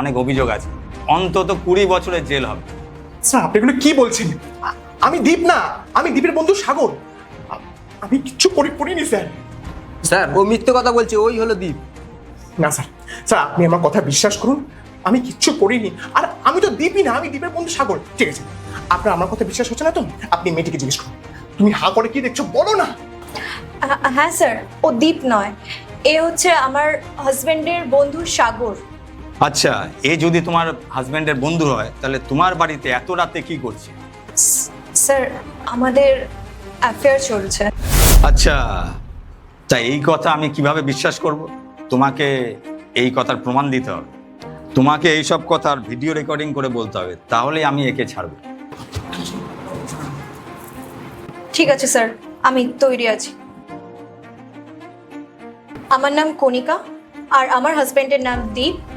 অনেক অভিযোগ আছে, অন্তত 20 বছরের জেল হবে। স্যার আপনি এগুলো কি বলছেন? আমি দীপ না, আমি দীপের বন্ধু সাগর। আমি কিচ্ছু করিনি স্যার। স্যার ও মিথ্যে কথা বলছে, ওই হলো দীপ। না স্যার, স্যার আপনি আমার কথা বিশ্বাস করুন, আমি কিচ্ছু করিনি। আর আমি তো দীপই না, আমি দীপের বন্ধু সাগর। ঠিক আছে, আপনার আমার কথা বিশ্বাস হচ্ছে না তো আপনি মেয়েটিকে জিজ্ঞেস করুন। তুমি হা করে কি দেখছো বলো না। হ্যাঁ স্যার, ও দীপ নয়, এ হচ্ছে আমার হাজবেন্ডের বন্ধু সাগর। আচ্ছা, এ যদি তোমার হাজবেন্ডের বন্ধু হয় তাহলে তোমার বাড়িতে এত রাতে কি করছে? স্যার আমাদের অ্যাফেয়ার চলছে। আচ্ছা, তা এই কথা আমি কিভাবে বিশ্বাস করব? তোমাকে এই কথার প্রমাণ দিতে হবে, তোমাকে এইসব কথার ভিডিও রেকর্ডিং করে বলতে হবে, তাহলেই আমি একে ছাড়বো। ঠিক আছে স্যার, আমি তৈরি আছি। আমার নাম কণিকা আর আমার হাজবেন্ডের নাম দীপ।